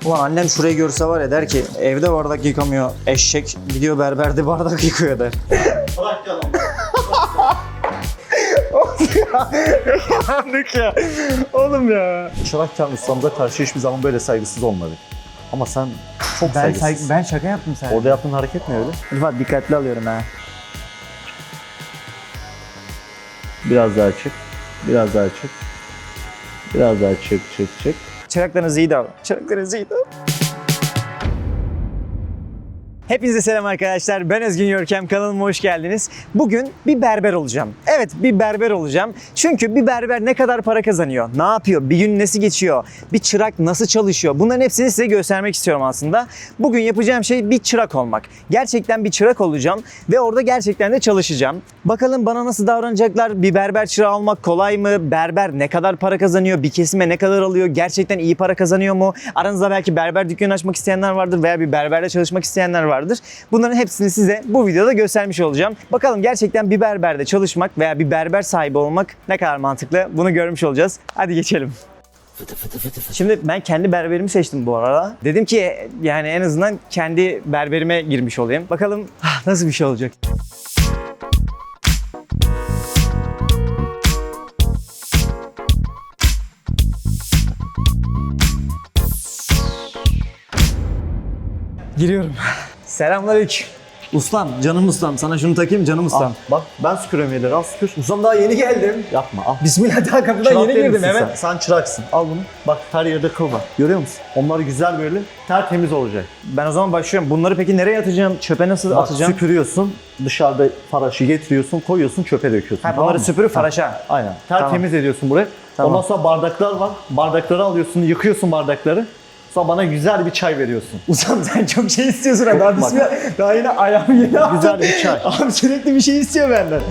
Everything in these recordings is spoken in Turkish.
Ulan annem şurayı görse var ya der ki evde bardak yıkamıyor eşek, gidiyor berberde bardak yıkıyor der. Bırak yalan. Yandık ya. Oğlum ya. Çırakken ustamıza karşı hiçbir zaman böyle saygısız olmadı. Ama sen çok saygısız. Ben şaka yaptım sen. Orada yaptığın hareket ne öyle? Rıfat dikkatli alıyorum ha. Biraz daha çık. Biraz daha çık. Biraz daha çık. Çıraklarınızı iyi davran. Çıraklarınızı iyi davran. Hepinize selam arkadaşlar. Ben Özgün Görkem. Kanalıma hoş geldiniz. Bugün bir berber olacağım. Evet, bir berber olacağım. Çünkü bir berber ne kadar para kazanıyor? Ne yapıyor? Bir gün nasıl geçiyor? Bir çırak nasıl çalışıyor? Bunların hepsini size göstermek istiyorum aslında. Bugün yapacağım şey bir çırak olmak. Gerçekten bir çırak olacağım ve orada gerçekten de çalışacağım. Bakalım bana nasıl davranacaklar? Bir berber çırağı olmak kolay mı? Berber ne kadar para kazanıyor? Bir kesime ne kadar alıyor? Gerçekten iyi para kazanıyor mu? Aranızda belki berber dükkanı açmak isteyenler vardır veya bir berberde çalışmak isteyenler vardır. Bunların hepsini size bu videoda göstermiş olacağım. Bakalım gerçekten bir berberde çalışmak veya bir berber sahibi olmak ne kadar mantıklı? Bunu görmüş olacağız. Hadi geçelim. Şimdi ben kendi berberimi seçtim bu arada. Dedim ki yani en azından kendi berberime girmiş olayım. Bakalım nasıl bir şey olacak. Giriyorum. Selamünaleyküm. Ustam, canım ustam. Sana şunu takayım, canım ustam. Bak ben süpürüyorum yerleri, al süpür. Ustam daha yeni geldim. Yapma al. Bismillah, daha kapıdan Çırak yeni değil girdim misin hemen. sen çıraksın. Al bunu. Bak her yerde kıl var. Görüyor musun? Onlar güzel böyle tertemiz olacak. Ben o zaman başlıyorum. Bunları peki nereye atacağım? Çöpe nasıl Bak atacağım? süpürüyorsun. Dışarıda faraşı getiriyorsun, koyuyorsun, çöpe döküyorsun. Ha, tamam bunları mı? süpürüp faraşa. Aynen. Tertemiz ediyorsun burayı. Tamam. Ondan sonra bardaklar var. Bardakları alıyorsun, yıkıyorsun bardakları. Sonra bana güzel bir çay veriyorsun. Ustam sen çok şey istiyorsun ha. Daha Bak. bismillah. Daha yine ayağımı yeni attım. Güzel bir çay. Abi sürekli bir şey istiyor benden.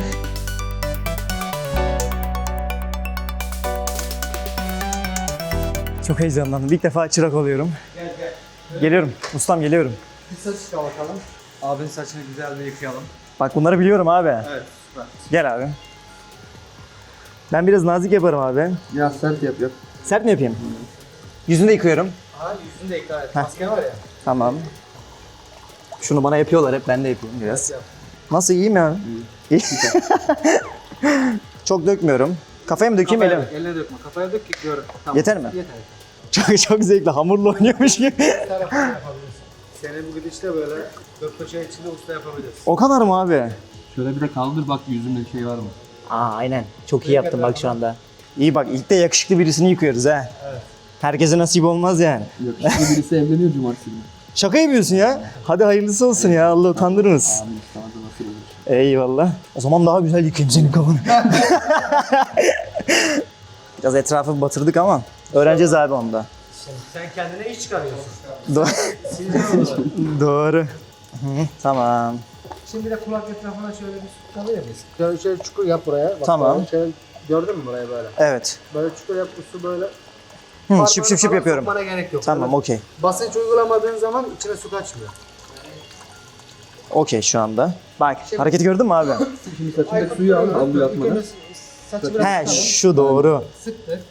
Çok heyecanlandım. İlk defa çırak oluyorum. Gel. Geliyorum. Ustam geliyorum. Bir saç çıkar bakalım. Abinin saçını güzel bir yıkayalım. Bak bunları biliyorum abi. Evet, süper. Gel abi. Ben biraz nazik yaparım abi. Ya sert yap. Sert mi yapayım? Yüzünü de yıkıyorum. Ha, yüzünü de yıka. Evet. Maske var ya. Tamam. Şunu bana yapıyorlar hep, ben de yapıyorum biraz. Yap. Nasıl, iyi mi abi? İyi. Çok dökmüyorum. Kafaya mı dökeyim Kafaya elim? dök, eline dökme. Kafaya dök ki görün. Tamam. Yeter mi? Yeter. Çok zevkli, hamurla oynuyormuş gibi. Bir tarafını yapabilirsin. Seni bu gidişle böyle gökpaça içinde usta yapabilirsin. O kadar mı abi? Şöyle bir de kaldır bak yüzümde bir şey var mı? Aa aynen. Çok iyi yaptın bak şu anda. İyi bak, ilk de yakışıklı birisini yıkıyoruz ha. Evet. Herkese nasip olmaz yani. Yakışıklı birisi evleniyor cumartesi günü. Şaka yapıyorsun ya. Hadi hayırlısı olsun ya, Allah utandırmasın. Abi sana da nasıl olur? Eyvallah. O zaman daha güzel yıkayayım senin kafanı. Biraz etrafı batırdık ama öğreneceğiz abi onda. Sen kendine iş çıkarıyorsun. Doğru. Hı, tamam. Şimdi de kulak etrafına şöyle bir su tutabilir miyiz? Şöyle çukur yap buraya. Bak Tamam. böyle şöyle, gördün mü burayı böyle? Evet. Böyle çukur yap, bu su böyle. Hı, şıp şıp şıp Parmağını yapıyorum. sokmana gerek yok. Tamam, Böyle okey. basınç uygulamadığın zaman içine su kaçmıyor. Okey şu anda. Bak, hareketi gördün mü abi? Şimdi saçındaki suyu al, havluya atmadan. Saçı biraz He, sıkalım. şu doğru. Sıktık.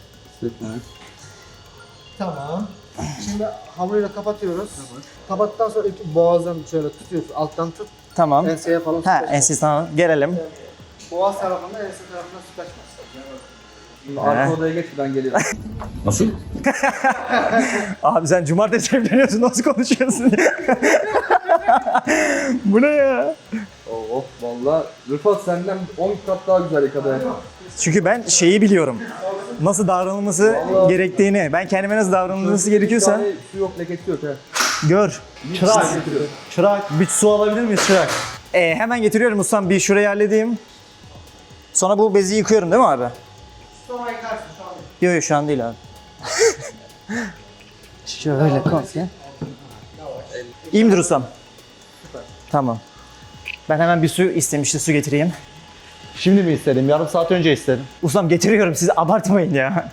Tamam. Şimdi havluyla kapatıyoruz. Kapattıktan sonra boğazdan şöyle tutuyorsun. Alttan tut. Tamam. Enseye falan su Ha, kaçmaz. ensiz tamam. Gelelim. Boğaz tarafında, ense tarafına su kaçmaz. Şimdi arka odaya geç, ben geliyorum. Abi sen cumartesi evleniyorsun, nasıl konuşuyorsun? Bu ne ya? Oh valla Rıfat senden 10 kat daha güzel yıkadı yani. Çünkü ben şeyi biliyorum. Nasıl davranılması gerektiğini. Ben kendime nasıl davranılması gerekiyorsa Yani su yok, lekesi yok ha. gör. Çırak. Çırak. Bir su alabilir miyiz çırak? Hemen getiriyorum ustam. Bir şurayı halledeyim. Sonra bu bezi yıkıyorum değil mi abi? Sonra yıkarsın şu an. Yok yok şu an değil abi. Şöyle kalk ya. İyi midir ustam? Tamam. Ben hemen bir su istemişti, su getireyim. Şimdi mi istedim? Yarım saat önce istedim. Ustam getiriyorum, siz abartmayın ya.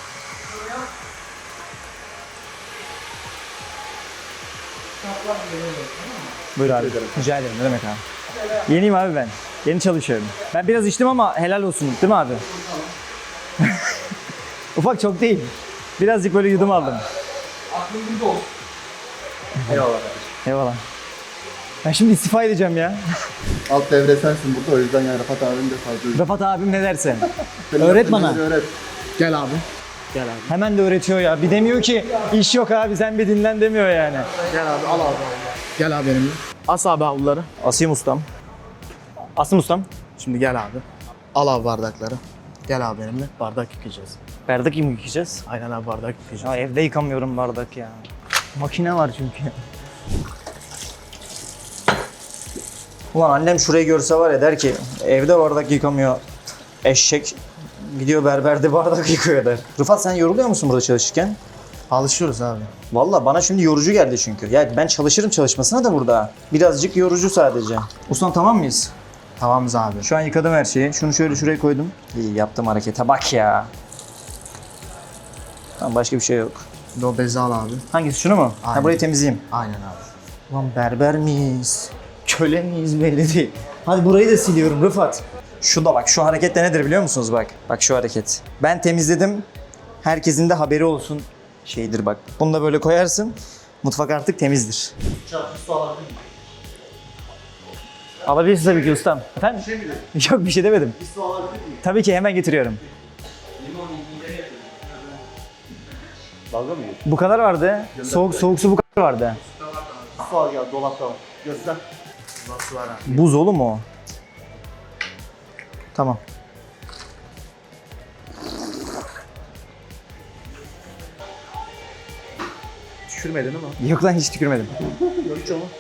Buyur abi. Rica ederim. Ne demek abi? Yeniyim abi ben. Yeni çalışıyorum. Ben biraz içtim ama helal olsun. Değil mi abi? Ufak, çok değil. Birazcık böyle yudum aldım. Aklım burada olur. Eyvallah kardeşim. Eyvallah. Ben şimdi istifa edeceğim ya. Alt devre sensin burada, o yüzden yani Rafat abim de fazla. Rafat abim ne derse. Senin Öğret yaptığın bana. şeyleri Öğret. Gel abi. Hemen de öğretiyor ya. Bir demiyor ki iş yok abi sen bir dinlen demiyor yani. Gel abi al abi. Gel abi benimle. As abi havluları. Asayım ustam. Asım ustam. Şimdi gel abi. Al abi bardakları. Gel abi benimle. Bardak yıkayacağız. Bardak mı yıkayacağız? Aynen abi bardak yıkayacağız. Ya evde yıkamıyorum bardak ya. Makine var çünkü. Ulan annem şurayı görse var ya der ki evde bardak yıkamıyor. Eşek gidiyor berberde bardak yıkıyor der. Rıfat sen yoruluyor musun burada çalışırken? Alışıyoruz abi. Valla bana şimdi yorucu geldi çünkü. Ya ben çalışırım çalışmasına da burada. Birazcık yorucu sadece. Ustam tamam mıyız? Tamamız abi. Şu an yıkadım her şeyi. Şunu şöyle şuraya koydum. İyi yaptım harekete bak ya. Tamam başka bir şey yok. Bir de o bezi al abi. Hangisi şunu mu? Ha Aynen. burayı temizleyeyim. Aynen abi. Lan berber miyiz? Köle miyiz belli değil. Hadi burayı da siliyorum Rıfat. Şu da bak şu hareket de nedir biliyor musunuz bak. Bak şu hareket. Ben temizledim. Herkesin de haberi olsun şeydir bak. Bunu da böyle koyarsın. Mutfak artık temizdir. Alabilirsin tabii ki ustam. Efendim? Yok bir şey demedim. Tabii ki hemen getiriyorum. Dalga mı geçiyorsun? Bu kadar vardı. Soğuk su bu kadar vardı. Su al gel, dolapta var. Göster. Nasıl var abi? Buz oğlum o. Tamam. Düşürmedin ama. Yok lan hiç tükürmedim. Hiç onu.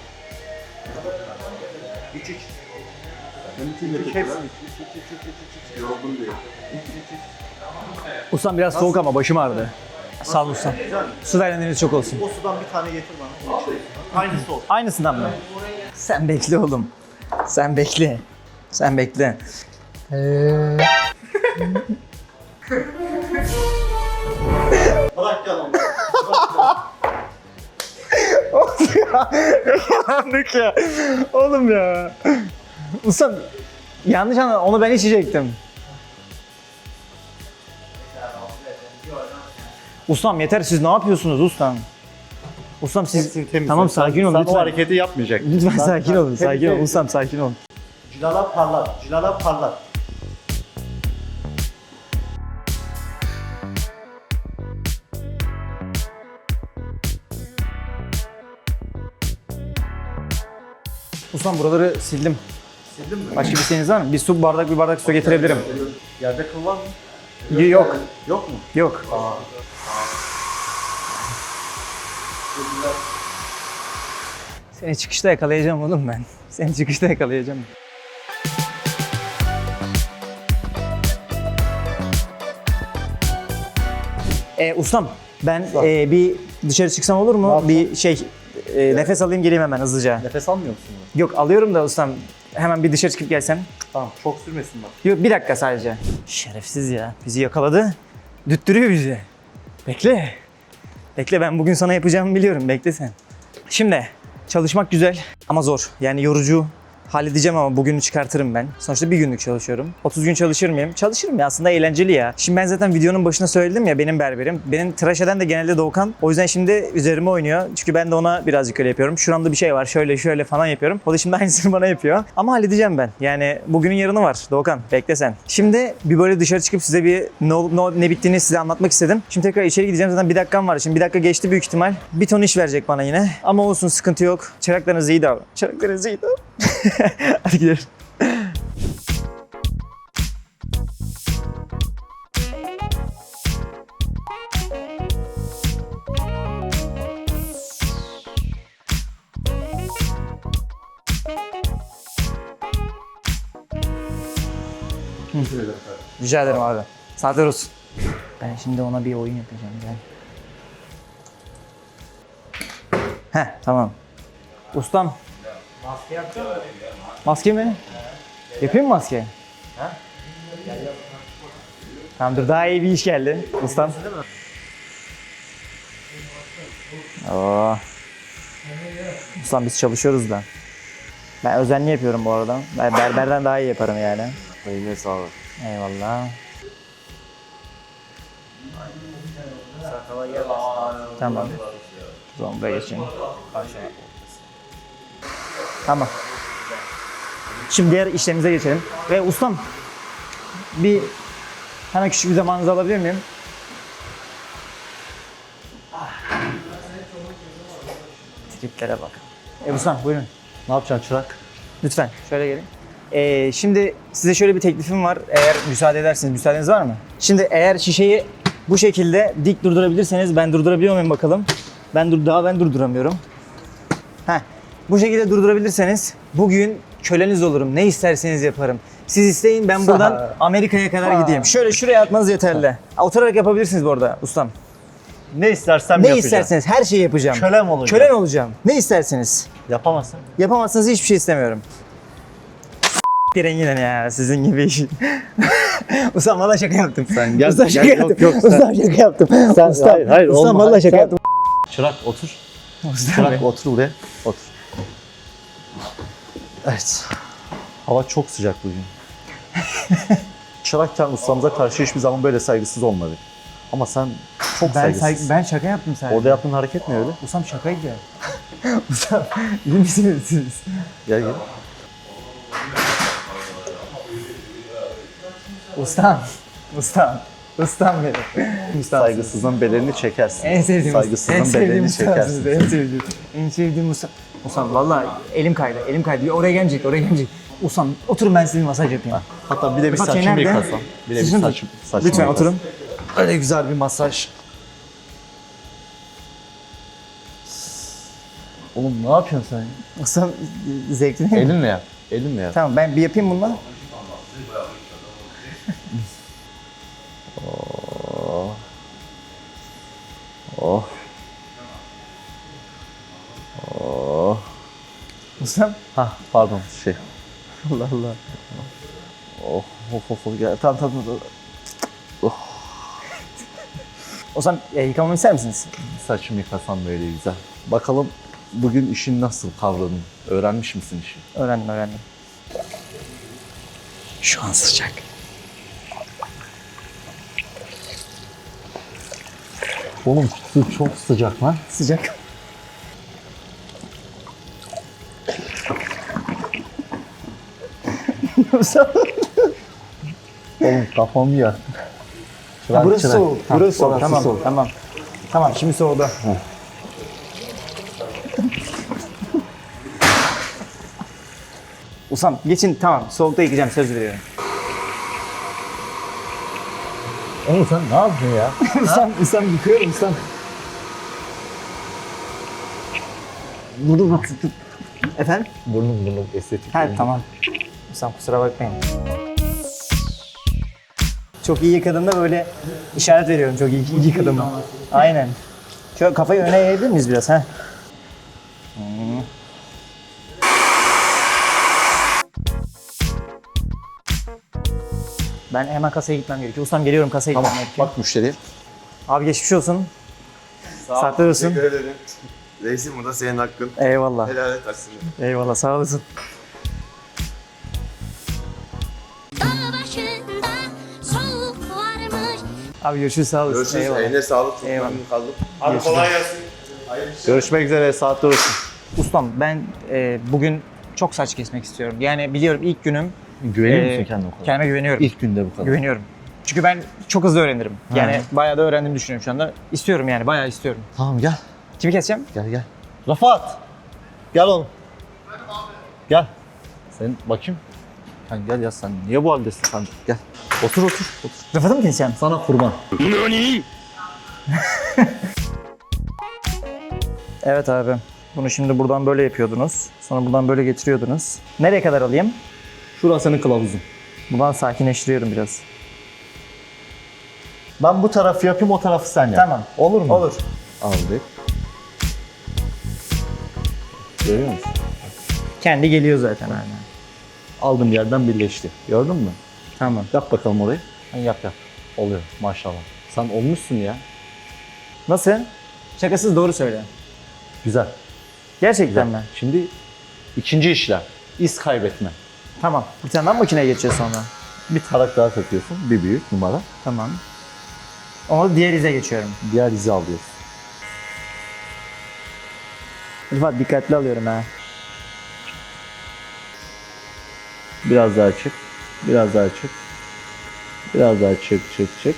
Yoruldum diye. Ustam biraz soğuk ama başım ağrıdı. Sağ ol ustam. Su verenleriniz çok olsun. O sudan bir tane getir bana. Aynısı olsun. Aynısından mı? Sen bekle oğlum. Sen bekle. Sen bekle. Bırak yalan. Yandık ya. Oğlum ya. Ustam yanlış anladın. Onu ben içecektim. Ustam yeter siz ne yapıyorsunuz ustam? Ustam siz tamam sakin olun Sen lütfen. o hareketi yapmayacaksın. Lütfen sakin olun. Sakin olun. Ustam sakin olun. Cilala parlar. Cilala parlar. Ustam buraları sildim. Sildin mi? Başka bir şeyiniz var mı? Bir su bardak bir bardak su getirebilirim. Yerde kıl var mı? Yok. Yok mu? Yok. Seni çıkışta yakalayacağım oğlum ben. Seni çıkışta yakalayacağım. Ustam ben bir dışarı çıksam olur mu? Bir şey nefes alayım geleyim hemen hızlıca. Nefes almıyor musun? Yok alıyorum da ustam hemen bir dışarı çıkıp gelsem. Tamam, çok sürmesin bak. Yok bir dakika sadece. Şerefsiz ya. Bizi yakaladı. Düttürüyor bizi. Bekle. Bekle ben bugün sana yapacağımı biliyorum. Bekle sen. Şimdi çalışmak güzel ama zor. Yani yorucu. Halledeceğim ama bugünü çıkartırım ben. Sonuçta bir günlük çalışıyorum. 30 gün çalışır mıyım? Çalışırım ya aslında eğlenceli ya. Şimdi ben zaten videonun başına söyledim ya benim berberim. Benim tıraş eden de genelde Doğukan. O yüzden şimdi üzerime oynuyor. Çünkü ben de ona birazcık öyle yapıyorum. Şuramda bir şey var şöyle şöyle falan yapıyorum. O da şimdi aynısını bana yapıyor. Ama halledeceğim ben. Yani bugünün yarını var Doğukan. Bekle sen. Şimdi bir böyle dışarı çıkıp size bir ne bittiğini size anlatmak istedim. Şimdi tekrar içeri gideceğim. Zaten bir dakikam var. Şimdi bir dakika geçti büyük ihtimal. Bir ton iş verecek bana yine. Ama olsun sıkıntı yok. Çıraklarınız iyi davran. Çıraklarınız iyi davran. Hadi gidelim. Rica ederim abi. Saatler olsun. Ben şimdi ona bir oyun yapacağım. Gel. Heh tamam. Ustam. Maske yapacağım mı? Maske mi? Yapayım mı maske? Ha? Tamam dur daha iyi bir iş geldi. Ustam. Oo. Ustam biz çalışıyoruz da. Ben özenli yapıyorum bu arada. Ben berberden daha iyi yaparım yani. Eline sağlık. Eyvallah. Tamam. O zaman buraya geçeyim. Tamam. Şimdi diğer işlemimize geçelim. Ve ustam bir hemen küçük bir zamanınızı alabilir miyim? Triplere bak. Ustam buyurun. Ne yapacaksın çırak? Lütfen şöyle gelin. Şimdi size şöyle bir teklifim var. Eğer müsaade ederseniz, müsaadeniz var mı? Şimdi eğer şişeyi bu şekilde dik durdurabilirseniz, ben durdurabiliyor muyum bakalım? Ben durduramıyorum. Heh. Bu şekilde durdurabilirseniz bugün köleniz olurum. Ne isterseniz yaparım. Siz isteyin, ben buradan Amerika'ya kadar gideyim. Şöyle şuraya atmanız yeterli. Oturarak yapabilirsiniz bu arada ustam. Ne istersem Ne yapacağım. isterseniz her şeyi yapacağım. Kölem olacağım. Kölen olacağım. Ne isterseniz. Yapamazsın. Yapamazsanız hiçbir şey istemiyorum. Yine ya sizin gibi işi. Ustam valla şaka yaptım. Sen gel, Ustam şaka gel, yaptım. yok, sen- Ustam şaka yaptım. Ustam, hayır, ustam olma, valla hayır, şaka sen- yaptım. Çırak otur. Ustam Çırak Bey. otur buraya. Otur. Evet. Hava çok sıcak bugün. Çırakken ustamıza karşı hiçbir zaman böyle saygısız olmadı. Ama sen çok saygısız. Ben şaka yaptım sadece. Orada yaptığın hareket ne öyle? Ustam şakaydı ya. Ustam iyi misiniz siz? Gel gel. Ustam. Ustam benim. Ustam. Saygısızlığın bedelini çekersin. En sevdiğim Saygısızlığın bedelini çekersin. En sevdiğim ustam. Ustam vallahi elim kaydı. Oraya gelecek. Ustam oturun ben size bir masaj yapayım. Hatta bir de bir Bak, saçımı nerede? yıkasam. Bir de bir Saçını- saçımı Lütfen yıkasam. oturun. Öyle güzel bir masaj. Oğlum ne yapıyorsun sen? Ustam zevkli değil mi? Elinle yap. Elinle yap. Tamam ben bir yapayım bununla. Oh. Oh. Ustam. Hah pardon şey. Allah Allah. Oh of gel. Tamam. Ustam yıkamamı ister misiniz? Saçımı yıkasam böyle güzel. Bakalım bugün işin nasıl kavradın? Öğrenmiş misin işi? Öğrendim. Şu an sıcak. Oğlum su çok sıcak lan. Sıcak. Ustam. Oğlum kafamı ya. Burası soğuk. Burası soğuk. orası soğuk. Tamam. Tamam şimdi soğudu. Ustam geçin tamam soğukta yıkayacağım söz veriyorum. Oğlum sen ne yapıyorsun ya? ustam yıkıyorum ustam. Burnum tut. Efendim? Burnum estetik. Ha tamam. Ustam kusura bakmayın. Çok iyi yıkadığımda böyle işaret veriyorum çok iyi yıkadım. Aynen. Şöyle kafayı öne eğebilir miyiz biraz ha? Ben hemen kasaya gitmem gerekiyor. Ustam geliyorum kasaya Tamam gitmem gerekiyor. bak müşteriye. Abi geçmiş olsun. Saklı olsun. Teşekkür ederim. Reisim bu da senin hakkın. Eyvallah. Helal et aslında. Eyvallah sağ olasın. Dağ başında soğuk varmış. Abi görüşürüz sağ olasın. Görüşürüz. Eyvallah. Eline sağlık. Çok Eyvallah. memnun kaldım. Abi kolay gelsin. Görüşmek üzere saatler olsun. Ustam ben bugün çok saç kesmek istiyorum. Yani biliyorum ilk günüm. Güveniyor e, musun kendine o kadar? Kendime güveniyorum. İlk günde bu kadar. Güveniyorum. Çünkü ben çok hızlı öğrenirim. Yani bayağı da öğrendiğimi düşünüyorum şu anda. İstiyorum yani bayağı istiyorum. Tamam gel. Kimi keseceğim? Gel. Rafat. Gel oğlum. Gel. Sen bakayım. Sen gel ya sen niye bu haldesin sen? Gel. Otur. Rıfat'ı mı keseceğim? Sana kurban. Evet abi. Bunu şimdi buradan böyle yapıyordunuz. Sonra buradan böyle getiriyordunuz. Nereye kadar alayım? Şurası senin kılavuzun. Buradan sakinleştiriyorum biraz. Ben bu tarafı yapayım o tarafı sen yap. Tamam. Olur mu? Olur. Aldık. Görüyor musun? Kendi geliyor zaten aynen. Aldığım yerden birleşti. Gördün mü? Tamam. Yap bakalım orayı. Yap. Oluyor maşallah. Sen olmuşsun ya. Nasıl? Şakasız doğru söyle. Güzel. Gerçekten mi? Şimdi ikinci işlem. İz kaybetme. Tamam. Bir tane daha makineye geçeceğiz sonra. Bir tarak daha takıyorsun. Bir büyük numara. Tamam. Onu diğer ize geçiyorum. Diğer izi alıyoruz. Rıfat dikkatli alıyorum ha. Biraz daha çık. Biraz daha çık. Biraz daha çık.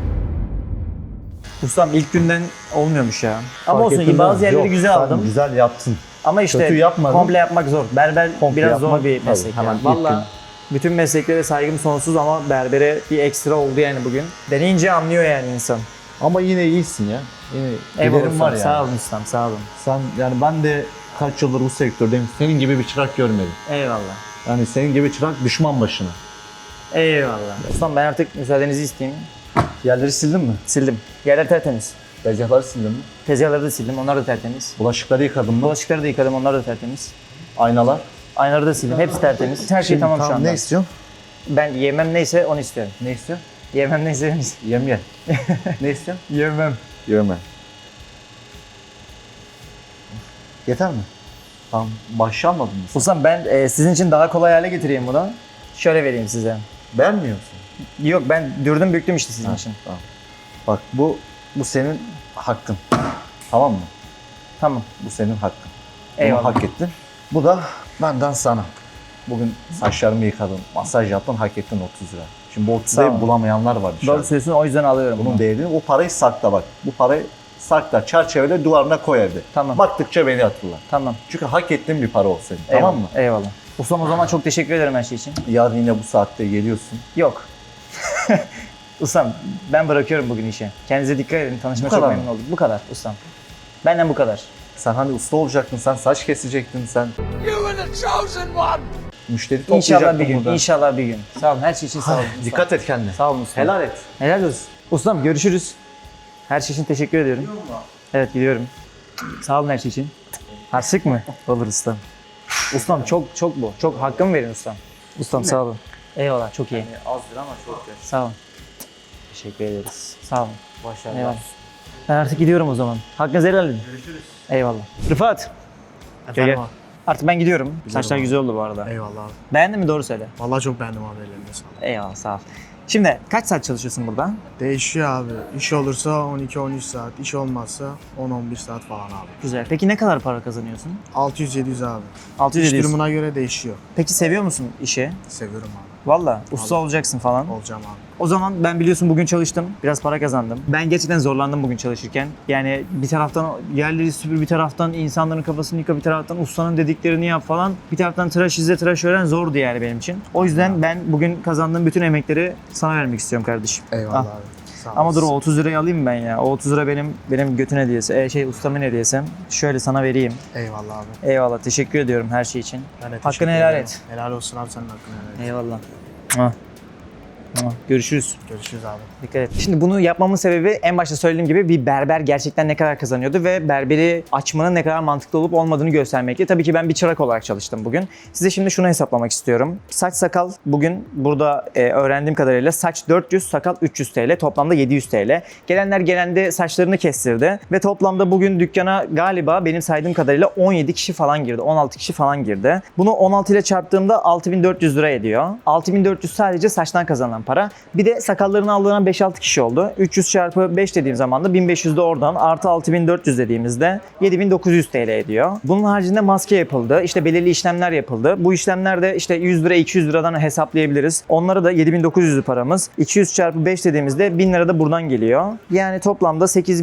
Ustam ilk günden olmuyormuş ya. Ama Fark olsun ettin bazı mi? yerleri Yok, güzel sen aldım. Güzel yaptın. Ama işte Kötü yapmadın. komple yapmak zor. Berber Komple biraz yapmak, zor bir tabii, meslek. hemen Yani. ilk Valla gün. bütün mesleklere saygım sonsuz ama berbere bir ekstra oldu yani bugün. Deneyince anlıyor yani insan. Ama yine iyisin ya. Yine Eyvallah giderim ustam, var yani. sağ olun ustam, sağ olun. Sen yani ben de kaç yıldır bu sektördeyim. Senin gibi bir çırak görmedim. Eyvallah. Yani senin gibi çırak düşman başına. Eyvallah. Ustam ben artık müsaadenizi isteyeyim. Yerleri sildin mi? Sildim. Yerler tertemiz. Tezgahları sildin mi? Tezgahları da sildim, onlar da tertemiz. Bulaşıkları yıkadın mı? Bulaşıkları da yıkadım, onlar da tertemiz. Aynalar. Aynaları da sildim, hepsi tertemiz. Her şey tamam şu anda. Ne istiyorsun? Ben yemem neyse onu istiyorum. Ne istiyorsun? Yemem neyse onu istiyorum. Yem ye. Ne istiyorsun? Yemem. Yeme. Yeter mi? Tamam. Başlamadın mı? Ustam ben sizin için daha kolay hale getireyim bunu. Şöyle vereyim size. Beğenmiyorsun. Yok ben dürdüm büktüm işte sizin için. Tamam. Bak bu senin hakkın. Tamam mı? Tamam. Bu senin hakkın. Bunu Eyvallah. hak ettin. Bu da benden sana. Bugün saçlarımı yıkadın, masaj yaptın, hak ettin 30 lira. Şimdi bu 30 Sağ lirayı ol. bulamayanlar var dışarıda. Doğru söylüyorsun o yüzden alıyorum Bunun bunu. değerini, o parayı sakla bak. Bu parayı sakla, çerçevele duvarına koy evde. Tamam. Baktıkça beni hatırla. Tamam. Çünkü hak ettiğin bir para o senin. Eyvallah. Tamam mı? Eyvallah. Ustam o zaman çok teşekkür ederim her şey için. Yarın yine bu saatte geliyorsun. Yok. Ustam ben bırakıyorum bugün işi. Kendinize dikkat edin. Tanışma Bu çok kadar memnun mı? oldum. Bu kadar ustam. Benden bu kadar. Sen hani usta olacaktın, sen saç kesecektin, sen... Müşteri toplayacaktın İnşallah bir gün. burada. İnşallah bir gün. Sağ olun. Her şey için sağ olun. ustam. Dikkat et kendine. Sağ olun ustam. Helal et. Helal olsun. Ustam görüşürüz. Her şey için teşekkür ediyorum. Evet gidiyorum. Sağ olun her şey için. Harçlık mı? Olur ustam. Ustam çok bu. Çok hakkımı verin ustam. Ustam sağ olun. Eyvallah çok iyi. Azdır ama çok güzel. Sağ olun. Teşekkür ederiz. Sağ olun. Başarılar. Eyvallah. Ben artık gidiyorum o zaman. Hakkınızı helal edin. Görüşürüz. Eyvallah. Rıfat. Gel. Artık ben gidiyorum. Saçlar güzel oldu bu arada. Eyvallah abi. Beğendin mi? Doğru söyle. Vallahi çok beğendim abi, ellerine sağlık. Eyvallah sağ ol. Şimdi kaç saat çalışıyorsun burada? Değişiyor abi. İş olursa 12-13 saat, iş olmazsa 10-11 saat falan abi. Güzel. Peki ne kadar para kazanıyorsun? 600-700 abi. 600 İş ediyorsun. durumuna göre değişiyor. Peki seviyor musun işi? Seviyorum abi. Valla usta olacaksın falan. Olacağım abi. O zaman ben biliyorsun bugün çalıştım. Biraz para kazandım. Ben gerçekten zorlandım bugün çalışırken. Yani bir taraftan yerleri süpür, bir taraftan insanların kafasını yıka, bir taraftan ustanın dediklerini yap falan. Bir taraftan tıraş izle, tıraş öğren zordu yani benim için. O yüzden ben bugün kazandığım bütün emekleri sana vermek istiyorum kardeşim. Eyvallah Al. abi. Sağ Ama dur o olasın. 30 lirayı alayım ben ya. O 30 lira benim götün hediyesi. Ustamın hediyesi. Şöyle sana vereyim. Eyvallah abi. Eyvallah. Teşekkür ediyorum her şey için. Ben de Hakkını teşekkür helal ederim. et. Helal olsun abi, senin hakkını helal et. Eyvallah. Mua. Mua. Görüşürüz. Görüşürüz abi. Dikkat et. Şimdi bunu yapmamın sebebi en başta söylediğim gibi bir berber gerçekten ne kadar kazanıyordu ve berberi açmanın ne kadar mantıklı olup olmadığını göstermekti. Tabii ki ben bir çırak olarak çalıştım bugün. Size şimdi şunu hesaplamak istiyorum. Saç sakal bugün burada öğrendiğim kadarıyla saç 400, sakal 300 TL. Toplamda 700 TL. Gelenler gelende saçlarını kestirdi ve toplamda bugün dükkana galiba benim saydığım kadarıyla 17 kişi falan girdi. 16 kişi falan girdi. Bunu 16 ile çarptığımda 6400 lira ediyor. 6400 sadece saçtan kazanılan para. Bir de sakallarını aldıran 5-6 kişi oldu. 300 çarpı 5 dediğim zaman da 1500 de oradan artı 6400 dediğimizde 7900 TL ediyor. Bunun haricinde maske yapıldı. İşte belirli işlemler yapıldı. Bu işlemlerde işte 100 lira 200 liradan hesaplayabiliriz. Onlara da 7900'lü paramız. 200 çarpı 5 dediğimizde 1000 lira da buradan geliyor. Yani toplamda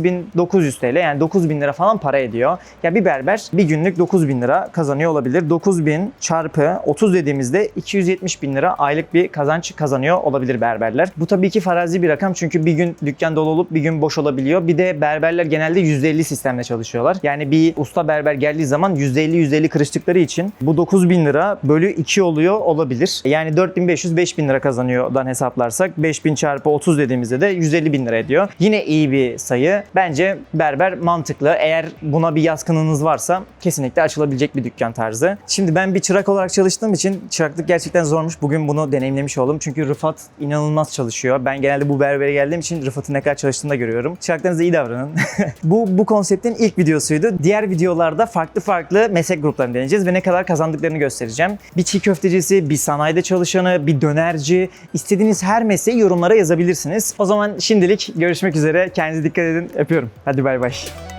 8900 TL yani 9000 lira falan para ediyor. Ya bir berber bir günlük 9000 lira kazanıyor olabilir. 9000 çarpı 30 dediğimizde 270 bin lira aylık bir kazanç kazanıyor olabilir berberler. Bu tabii ki farazi bir rakam çünkü bir gün dükkan dolu olup bir gün boş olabiliyor. Bir de berberler genelde %50 sistemle çalışıyorlar. Yani bir usta berber geldiği zaman %50 kırıştıkları için bu 9000 lira bölü 2 oluyor olabilir. Yani 4500-5000 lira kazanıyordan hesaplarsak 5000 çarpı 30 dediğimizde de 150 bin lira ediyor. Yine iyi bir sayı. Bence berber mantıklı. Eğer buna bir yatkınlığınız varsa kesinlikle açılabilecek bir dükkan tarzı. Şimdi ben bir çırak olarak çalıştığım için çıraklık gerçekten zormuş. Bugün bunu deneyimlemiş oldum. Çünkü Rıfat inanılmaz çalışıyor. Ben genelde bu berbere geldiğim için Rıfat'ın ne kadar çalıştığını da görüyorum. Çıraklarınıza iyi davranın. Bu konseptin ilk videosuydu. Diğer videolarda farklı meslek gruplarını deneyeceğiz ve ne kadar kazandıklarını göstereceğim. Bir çiğ köftecisi, bir sanayide çalışanı, bir dönerci, istediğiniz her mesleği yorumlara yazabilirsiniz. O zaman şimdilik görüşmek üzere. Kendinize dikkat edin. Öpüyorum. Hadi bay bay.